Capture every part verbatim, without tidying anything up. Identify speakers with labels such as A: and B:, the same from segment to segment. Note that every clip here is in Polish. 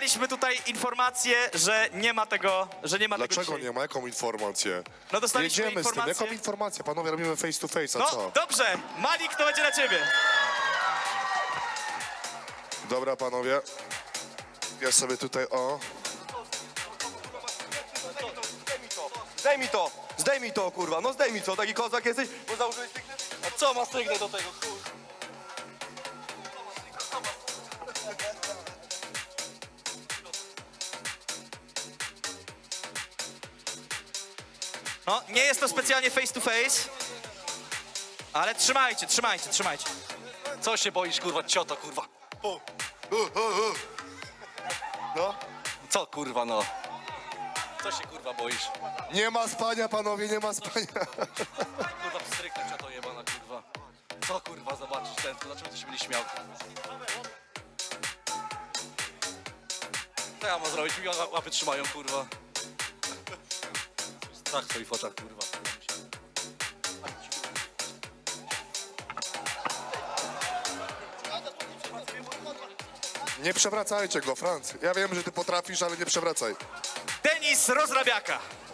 A: dostaliśmy tutaj informację, że nie ma tego, że nie ma tego
B: Dlaczego
A: dzisiaj.
B: nie ma? Jaką informację?
A: No dostaliśmy
B: Jedziemy z tym.
A: informację.
B: Jaką informację? Panowie, robimy face to face, a
A: No,
B: co?
A: dobrze. Malik, to będzie na ciebie.
B: Dobra, panowie. Ja sobie tutaj, o.
C: Zdejmij to, zdejmij to, kurwa, no zdejmij to, taki kozak jesteś, bo założyłeś sygnet? A co ma sygnet do tego, kurwa?
A: No, nie jest to specjalnie face to face, ale trzymajcie, trzymajcie, trzymajcie.
C: Co się boisz, kurwa, cioto, kurwa? No? Co, kurwa, no? Co się, kurwa, boisz?
B: Nie ma spania, panowie, nie ma spania.
C: Kurwa, pstryknę cioto jebana, kurwa. Co, kurwa, zobaczysz ten, to dlaczego ty się będzie śmiał, kurwa? Co ja mam zrobić? Mi łapy trzymają, kurwa. Strach w twoich oczach, kurwa.
B: Nie przewracajcie go, Franc. Ja wiem, że ty potrafisz, ale nie przewracaj.
A: Denis Rozrabiaka.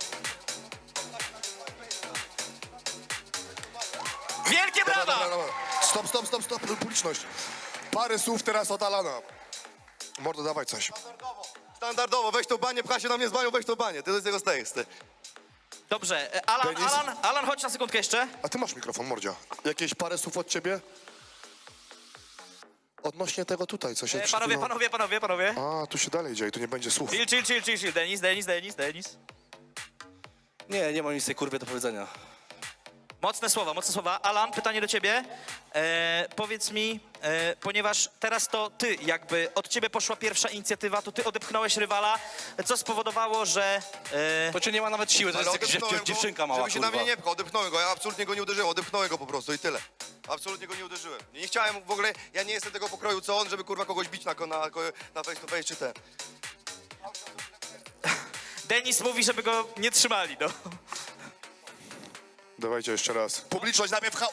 A: Wielkie
B: Dobra,
A: brawa!
B: dobra, dobra. Stop, stop, stop, stop, publiczność. Parę słów teraz od Alana. Mordo, dawaj coś.
C: Standardowo, weź to banie, pcha się na mnie z banią, weź to banie. Ty to z tego stajesz, ty.
A: Dobrze, e, Alan,
B: Denis?
A: Alan, Alan, chodź na sekundkę jeszcze.
B: A ty masz mikrofon, Mordzia. Jakieś parę słów od ciebie? Odnośnie tego tutaj, co się
A: E,
B: przed
A: Panowie,
B: chwilą-
A: panowie, panowie, panowie.
B: A, tu się dalej dzieje, tu nie będzie słów.
A: Chill, chill, chill, chill, chill. Denis, Denis, Denis, Denis.
C: Nie, nie mam nic tej kurwie do powiedzenia.
A: Mocne słowa, mocne słowa. Alan, pytanie do ciebie. E, powiedz mi, e, ponieważ teraz to ty jakby, od ciebie poszła pierwsza inicjatywa, to ty odepchnąłeś rywala, co spowodowało, że... E,
C: To cię nie ma nawet siły, to
D: Ale
C: jest jakaś
D: odepchnąłem
C: dziew-
D: go,
C: dziewczynka mała,
D: żeby się
C: kurwa.
D: na mnie nie pchał, odepchnąłem go, ja absolutnie go nie uderzyłem, odepchnąłem go po prostu i tyle. Absolutnie go nie uderzyłem. Nie, nie chciałem w ogóle, ja nie jestem tego pokroju co on, żeby kurwa kogoś bić na, na, na face to face czy ten.
A: Denis mówi, żeby go nie trzymali, no.
B: Dawajcie jeszcze raz. Publiczność na mnie pchał.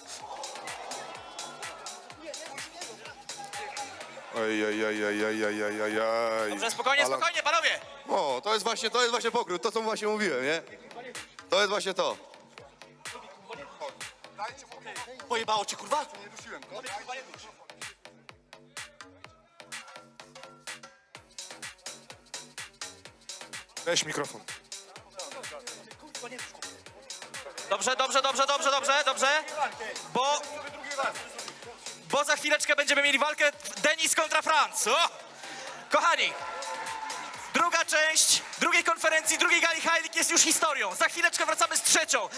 B: Ej, ej, ej, ej, ej, ej, ej, ej, ej.
A: Dobrze, spokojnie,
B: Alan,
A: spokojnie, panowie.
D: O, to jest właśnie, to jest właśnie pokrój, to co właśnie mówiłem, nie? To jest właśnie to.
C: Pojebało cię, kurwa?
B: Weź mikrofon.
A: Dobrze, dobrze, dobrze, dobrze, dobrze, dobrze. Bo... Bo za chwileczkę będziemy mieli walkę Denis kontra Franc. O! Kochani, druga część drugiej konferencji, drugiej gali Heilig jest już historią. Za chwileczkę wracamy z trzecią.